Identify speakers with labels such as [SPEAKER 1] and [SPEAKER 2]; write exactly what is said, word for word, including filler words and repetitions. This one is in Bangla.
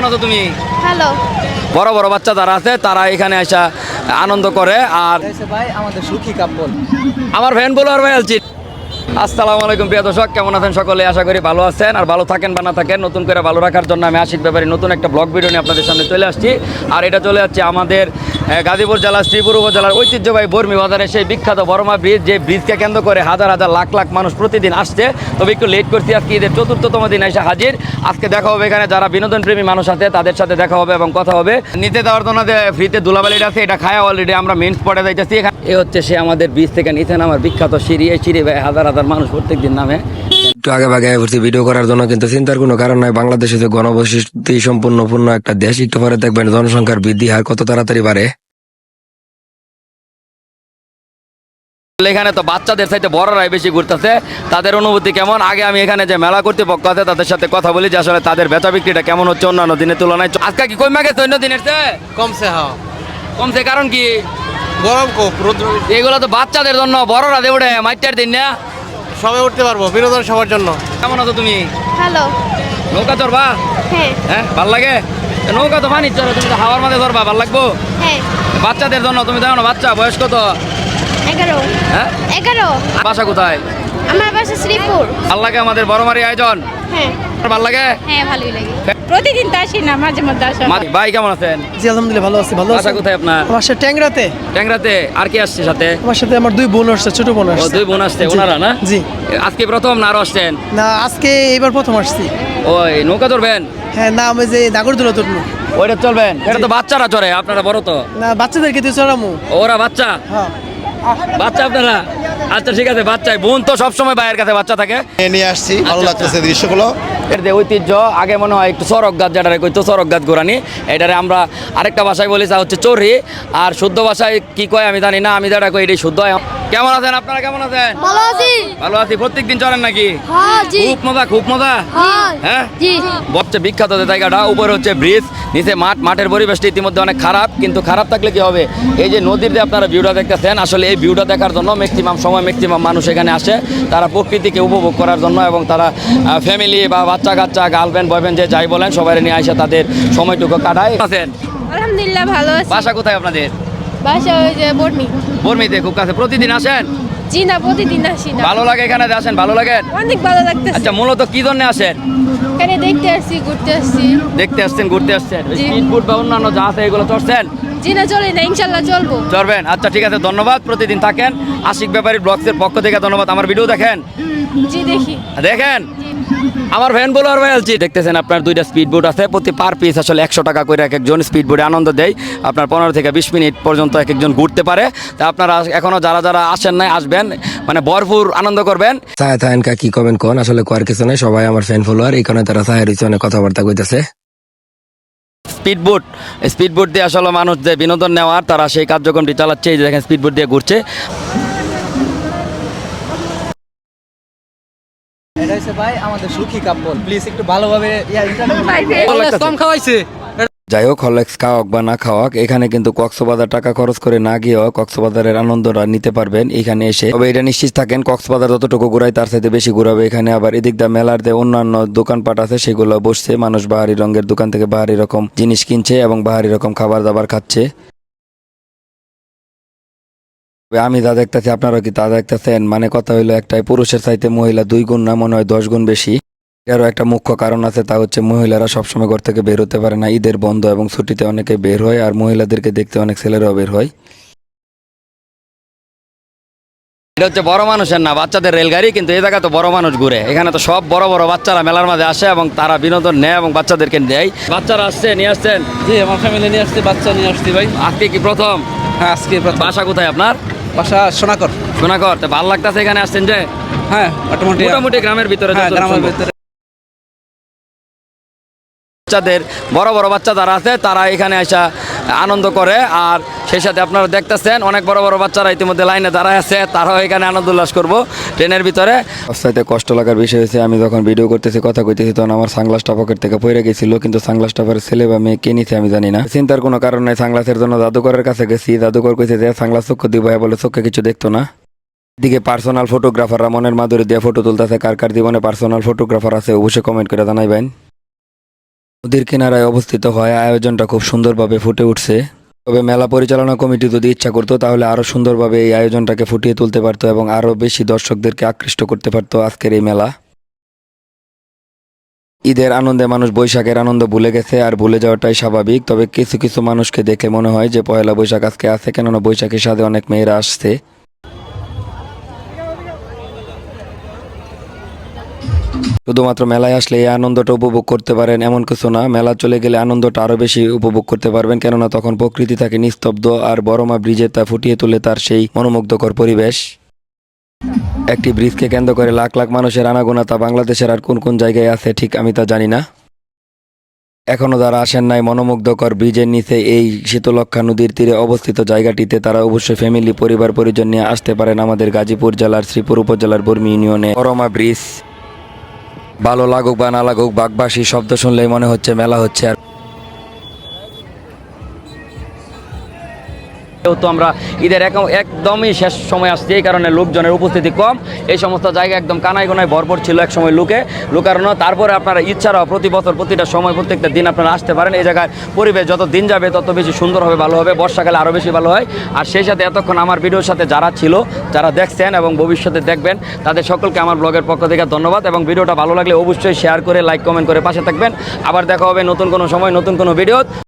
[SPEAKER 1] আছো তুমি?
[SPEAKER 2] হ্যালো।
[SPEAKER 1] বড় বড় বাচ্চা যারা আছে তারা এখানে এসে আনন্দ করে। আর
[SPEAKER 3] ভাই আমাদের সুখী কাপল
[SPEAKER 1] আমার ফ্যান বলার ভাই আলছি। আসসালামু আলাইকুম প্রিয় দর্শক, কেমন আছেন সকলে? আশা করি ভালো আছেন আর ভালো থাকেন বা না থাকেন। নতুন করে ভালো রাখার জন্য আমি আশিক ব্যাপারী নতুন একটা ব্লগ ভিডিও নিয়ে আপনাদের সামনে চলে আসছি। আর এটা চলে যাচ্ছে আমাদের গাজীপুর জেলার শ্রীপুর উপজেলার ঐতিহ্যবাহী বর্মি বাজারে সেই বিখ্যাত বড়মা ব্রিজ, যে ব্রিজকে কেন্দ্র করে হাজার হাজার লাখ লাখ মানুষ প্রতিদিন আসছে। তবে একটু লেট করছি, আজকে ঈদের চতুর্থতম দিন এসে হাজির। আজকে দেখা হবে এখানে যারা বিনোদন প্রেমী মানুষ আছে তাদের সাথে দেখা হবে এবং কথা হবে। নিতে দেওয়ার জন্য যে ফ্রিতে দুলাবালিটা আছে এটা খায়া অলরেডি আমরা মেন স্পটে যাইতেছি। এ হচ্ছে সে আমাদের ব্রিজ থেকে নিচে নামার বিখ্যাত সিঁড়ি। এই সিঁড়ি হাজার হাজার মানুষ প্রত্যেক দিন নামে।
[SPEAKER 4] একটু আগে ভাগে ঘুরছি ভিডিও করার জন্য, কিন্তু চিন্তার কোনো কারণ নাই। বাংলাদেশে যে গণবসতি সম্পূর্ণ পূর্ণ একটা দেশ, একটু পরে দেখবেন জনসংখ্যার বৃদ্ধি হার কত তাড়াতাড়ি বাড়ে।
[SPEAKER 1] এখানে তো বাচ্চাদের সাথে বড়রাই বেশি ঘুরতেছে, তাদের অনুভূতি কেমন? আগে আমি এখানে যে মেলা কর্তৃপক্ষ আছে তাদের সাথে কথা বলি যে আসলে তাদের বেচা বিক্রিটা কেমন হচ্ছে অন্যান্য দিনের তুলনায়। আজকে কি কমে গেছে অন্য দিনের চেয়ে?
[SPEAKER 3] কমছে। হ্যাঁ,
[SPEAKER 1] কমছে কারণ কি?
[SPEAKER 3] গরম খুব, রোদ্র।
[SPEAKER 1] এগুলো তো বাচ্চাদের জন্য, বড়রা দে উঠে মাইটার দিন না
[SPEAKER 3] সবাই উঠতে পারবো, বিনোদন সবার জন্য।
[SPEAKER 1] কেমন আছো তুমি?
[SPEAKER 2] হ্যালো।
[SPEAKER 1] নৌকা চড়বা?
[SPEAKER 2] হ্যাঁ।
[SPEAKER 1] হ্যাঁ, ভাল লাগে নৌকা তো পানি চড়ো, তুমি তো হাওয়ার মাঝে ধরবা, ভাল লাগবো।
[SPEAKER 2] হ্যাঁ।
[SPEAKER 1] বাচ্চাদের জন্য তুমি জানো না, বাচ্চা বয়স কত?
[SPEAKER 2] এগারো।
[SPEAKER 1] হ্যাঁ,
[SPEAKER 2] এগারো।
[SPEAKER 1] বাসা কোথায়?
[SPEAKER 2] আমার বাসা শ্রীপুর।
[SPEAKER 1] ভাল লাগে আমাদের বড়মারি আয়োজন?
[SPEAKER 2] হ্যাঁ।
[SPEAKER 1] ভাল লাগে।
[SPEAKER 2] হ্যাঁ, ভালোই লাগে। প্রতিদিন তো আসি না, মাঝে মধ্যে আসা হয়।
[SPEAKER 1] ভাই কেমন আছেন?
[SPEAKER 3] জি আলহামদুলিল্লাহ ভালো আছি। ভালো
[SPEAKER 1] বাসা কোথায় আপনার?
[SPEAKER 3] আমার সাথে ট্যাংরাতে।
[SPEAKER 1] ট্যাংরাতে। আর কি আসছে সাথে?
[SPEAKER 3] আমার সাথে আমার দুই বোন আসছে, ছোট বোন
[SPEAKER 1] ও,
[SPEAKER 3] আসছে।
[SPEAKER 1] দুই বোন আসছে।
[SPEAKER 3] জি।
[SPEAKER 1] ওনারা না?
[SPEAKER 3] জি।
[SPEAKER 1] আজকে প্রথম না আরো আসছেন?
[SPEAKER 3] না, আজকে এইবার প্রথম আসছি।
[SPEAKER 1] ওই নৌকা চড়বেন?
[SPEAKER 3] হ্যাঁ, না আমি যে নাগরদোলা তুলবো।
[SPEAKER 1] ওইটা চলবেন? এটা তো বাচ্চারা চড়ে, আপনারা বড় তো।
[SPEAKER 3] না, বাচ্চাদেরকে দিয়ে চড়ামু।
[SPEAKER 1] ওরা বাচ্চা?
[SPEAKER 3] হ্যাঁ।
[SPEAKER 1] বাচ্চা আপনারা? আচ্ছা ঠিক আছে, বাচ্চাই। বোন তো সবসময় ভাইয়ের কাছে বাচ্চা থাকে।
[SPEAKER 5] নিয়ে আসছি, ভালো
[SPEAKER 1] আচ্ছা,
[SPEAKER 5] লাগতেছে
[SPEAKER 1] আচ্ছা।
[SPEAKER 5] দৃশ্যগুলো।
[SPEAKER 1] এর যে ঐতিহ্য, আগে মনে হয় একটু চরক গাছ, যেটারে কইতো চরক গাছ গোরানি, এটারে আমরা আরেকটা ভাষায় বলি তা হচ্ছে চড়ি। আর শুদ্ধ ভাষায় কি কয় আমি জানি না, আমি যেটা কই এটাই শুদ্ধ। কেমন আছেন আপনারা? কেমন আছেন?
[SPEAKER 2] ভালো আছি।
[SPEAKER 1] ভালো আছি। প্রত্যেক দিন চড়েন নাকি?
[SPEAKER 2] হ্যাঁ, জি।
[SPEAKER 1] খুব মজা, খুব মজা।
[SPEAKER 2] হ্যাঁ।
[SPEAKER 1] হ্যাঁ,
[SPEAKER 2] জি।
[SPEAKER 1] সবচেয়ে বিখ্যাত যে জায়গাটা, উপরে হচ্ছে ব্রিজ, নিচে মাঠ। মাঠের পরিবেশটা ইতিমধ্যে অনেক খারাপ, কিন্তু খারাপ থাকলে কি হবে? এই যে নদীর যে আপনারা ভিউটা দেখতেছেন, আসলে এই ভিউটা দেখার জন্য ম্যাক্সিমাম সময় ম্যাক্সিমাম মানুষ এখানে আসে, তারা প্রকৃতিকে উপভোগ করার জন্য। এবং তারা ফ্যামিলি বা বাচ্চা কাচ্চা, গার্লফ্রেন্ড বয়ফ্রেন্ড যে যাই বলেন, সবাই নিয়ে আসে তাদের সময়টুকু কাটায়। আছেন?
[SPEAKER 2] আলহামদুলিল্লাহ ভালো আছি।
[SPEAKER 1] বাসা কোথায় আপনাদের?
[SPEAKER 2] বাসা ওই যে বর্মি।
[SPEAKER 1] বর্মিতে। খুব কাছে। প্রতিদিন আসেন?
[SPEAKER 2] জি না, প্রতিদিন আসি না।
[SPEAKER 1] ভালো লাগে এখানে আসেন? ভালো লাগে?
[SPEAKER 2] অনেক ভালো লাগতেছে।
[SPEAKER 1] আচ্ছা, মূলত কি জন্য আসেন?
[SPEAKER 2] এখানে দেখতে আসছি, ঘুরতে আসছি।
[SPEAKER 1] দেখতে আসছেন, ঘুরতে আসছেন?
[SPEAKER 2] জি।
[SPEAKER 1] স্পিডবোট বা অন্যান্য যা আছে এগুলো চড়ছেন?
[SPEAKER 2] জি না, চলে না, ইনশাল্লাহ চলবো।
[SPEAKER 1] চড়বেন? আচ্ছা ঠিক আছে, ধন্যবাদ। প্রতিদিন থাকেন। আশিক ব্যাপারী ব্লগসের পক্ষ থেকে ধন্যবাদ। আমার ভিডিও দেখেন?
[SPEAKER 2] জি দেখি।
[SPEAKER 1] দেখেন? আমার ফ্যান বলার ভাই আলছি। দেখতেছেন আপনার দুইটা স্পিড বোট আছে, প্রতি পার পিস আসলে একশো টাকা করে এক একজন স্পিড বোটে আনন্দ দেয়। আপনার পনেরো থেকে বিশ মিনিট পর্যন্ত এক একজন ঘুরতে পারে। তা আপনারা এখনো যারা যারা আসেন নাই, আসবেন, মানে ভরপুর আনন্দ করবেন।
[SPEAKER 4] চায় থাকেন কা কি কমেন্ট কোন, আসলে কোয়ার কিছু নাই, সবাই আমার ফ্যান ফলোয়ার। এই কারণে তারা চায়ের হইছে, অনেক কথাবার্তা কইতেছে।
[SPEAKER 1] স্পিড বোট, স্পিড বোট দিয়ে আসলে মানুষ যে বিনোদন নেওয়ার, তারা সেই কার্যক্রমটি চালাচ্ছে। এই যে দেখেন স্পিড বোট দিয়ে ঘুরছে।
[SPEAKER 3] এটা হচ্ছে ভাই আমাদের সুখী কাপল। প্লিজ একটু ভালোভাবে
[SPEAKER 1] কম খাওয়াইছে। যাই হোক, হরলেক্স খাওয়াক বা না খাওয়াক, এখানে কিন্তু কক্সবাজার টাকা খরচ করে না গিয়েও কক্সবাজারের আনন্দটা নিতে পারবেন এখানে এসে। তবে এটা নিশ্চিত থাকেন, কক্সবাজার যতটুকু ঘুরাই তার সাথে বেশি ঘুরাবে এখানে। আবার এদিক দা মেলার যে অন্যান্য দোকানপাট আছে সেগুলো বসছে, মানুষ বাহারি রঙের দোকান থেকে বাহারি রকম জিনিস কিনছে এবং বাহারি রকম খাবার দাবার খাচ্ছে। আমি যা দেখতেছি আপনারা কি তা দেখতেছেন? মানে কথা হইলো একটাই, পুরুষের চাইতে মহিলা দুই গুণ না, মনে হয় দশ গুণ বেশি। এরও একটা মুখ্য কারণ আছে, তা হচ্ছে মহিলারা সবসময় ঘর থেকে বের হতে পারে না। ঈদের বন্ধ এবং ছুটিতে অনেকে বের হয়, আর মহিলাদেরকে দেখতে অনেক ছেলেরাও বের হয়। এটা হচ্ছে বড় মানুষের না, বাচ্চাদের রেলগাড়ি, কিন্তু এই জায়গা তো বড় মানুষ ঘুরে। এখানে তো সব বড় বড় বাচ্চারা মেলার মাঝে আসে এবং তারা বিনোদন নেয় এবং বাচ্চাদেরকে দেয়। বাচ্চারা আসছে, নিয়ে আসছেন?
[SPEAKER 3] জি, আমার ফ্যামিলি নিয়ে আসছি, বাচ্চা নিয়ে আসছি ভাই।
[SPEAKER 1] আজকে কি প্রথম?
[SPEAKER 3] হ্যাঁ, আজকে প্রথম।
[SPEAKER 1] বাসা কোথায় আপনার?
[SPEAKER 3] বাসা সোনাকর।
[SPEAKER 1] সোনাকর। তো ভালো লাগতেছে এখানে আসছেন যে?
[SPEAKER 3] হ্যাঁ, মোটামুটি।
[SPEAKER 1] মোটামুটি গ্রামের ভিতরে?
[SPEAKER 3] হ্যাঁ,
[SPEAKER 1] যতটুকু
[SPEAKER 3] গ্রামের
[SPEAKER 1] সম্ভব।
[SPEAKER 3] ভিতরে।
[SPEAKER 1] বাচ্চাদের, বড় বড় বাচ্চা যারা আছে তারা এখানে এসে আনন্দ করে। আর সেই সাথে আপনারা দেখতেছেন অনেক বড় বড় বাচ্চারা ইতিমধ্যে লাইনে দাঁড়ায় আছে, তারাও এখানে আনন্দ উল্লাস করবো ট্রেনের ভিতরে। সবচাইতে কষ্ট লাগার বিষয় হয়েছে, আমি যখন ভিডিও করতেছি, কথা কইতেছি, তখন আমার সানগ্লাসটা পকেট থেকে পড়ে গেছিল, কিন্তু সানগ্লাসটা পরে ছেলে বা মেয়ে কে নিছে আমি জানি না। চিন্তার কোনো কারণ নাই। সানগ্লাসের জন্য জাদুকরের কাছে গেছি, জাদুকর কইছে যে সানগ্লাস চক্ষু দিব, বলে চোখে কিছু দেখতো না। এদিকে পার্সোনাল ফটোগ্রাফাররা মনের মাধুরী দিয়ে ফটো তুলতেছে। কার কার জীবনে পার্সোনাল ফটোগ্রাফার আছে অবশ্যই কমেন্ট করে জানাইবেন।
[SPEAKER 4] নদীর কিনারায় অবস্থিত হয় আয়োজনটা খুব সুন্দরভাবে ফুটে উঠছে। তবে মেলা পরিচালনা কমিটি যদি ইচ্ছা করতো তাহলে আরো সুন্দরভাবে এই আয়োজনটাকে ফুটিয়ে তুলতে পারতো এবং আরো বেশি দর্শকদেরকে আকৃষ্ট করতে পারতো আজকের এই মেলা। ঈদের আনন্দে মানুষ বৈশাখের আনন্দ ভুলে গেছে, আর ভুলে যাওয়াটাই স্বাভাবিক। তবে কিছু কিছু মানুষকে দেখে মনে হয় যে পয়লা বৈশাখ আজকে আছে, কেননা বৈশাখের সাথে অনেক মেয়েরা আসছে। শুধুমাত্র মেলায় আসলে এই আনন্দটা উপভোগ করতে পারেন এমন কিছু না, মেলা চলে গেলে আনন্দটা আরো বেশি উপভোগ করতে পারবেন, কেননা তখন প্রকৃতি থাকে নিস্তব্ধ আর বড়মা ব্রিজে তা ফুটিয়ে তোলে তার সেই মনোমুগ্ধকর পরিবেশ। একটি ব্রিজকে কেন্দ্র করে লাখ লাখ মানুষের আনাগোনা তা বাংলাদেশের আর কোন কোন জায়গায় আছে ঠিক আমি তা জানি না। এখনো যারা আসেন নাই মনোমুগ্ধকর ব্রিজের নিচে এই শীতলক্ষা নদীর তীরে অবস্থিত জায়গাটিতে, তারা অবশ্যই ফ্যামিলি পরিবার পরিজন নিয়ে আসতে পারেন আমাদের গাজীপুর জেলার শ্রীপুর উপজেলার বর্মি ইউনিয়নে বড়মা ব্রিজ। ভালো লাগুক বা না লাগুক, বাগবাসী শব্দ শুনলেই মনে হচ্ছে মেলা হচ্ছে। আর
[SPEAKER 1] তো আমরা ঈদের এক- একদমই শেষ সময় আসছি, এই কারণে লোকজনের উপস্থিতি কম। এই সমস্ত জায়গা একদম কানায় গোনায় ভরপুর ছিল এক সময় লোকে লুকানো। তারপরে আপনারা ইচ্ছারাও প্রতি বছর প্রতিটা সময় প্রত্যেকটা দিন আপনারা আসতে পারেন। এই জায়গায় পরিবেশ যত দিন যাবে তত বেশি সুন্দর হবে, ভালো হবে, বর্ষাকালে আরও বেশি ভালো হয়। আর সেই সাথে এতক্ষণ আমার ভিডিওর সাথে যারা ছিল, যারা দেখছেন এবং ভবিষ্যতে দেখবেন, তাদের সকলকে আমার ব্লগের পক্ষ থেকে ধন্যবাদ। এবং ভিডিওটা ভালো লাগলে অবশ্যই শেয়ার করে লাইক কমেন্ট করে পাশে থাকবেন। আবার দেখা হবে নতুন কোনো সময় নতুন কোনো ভিডিও।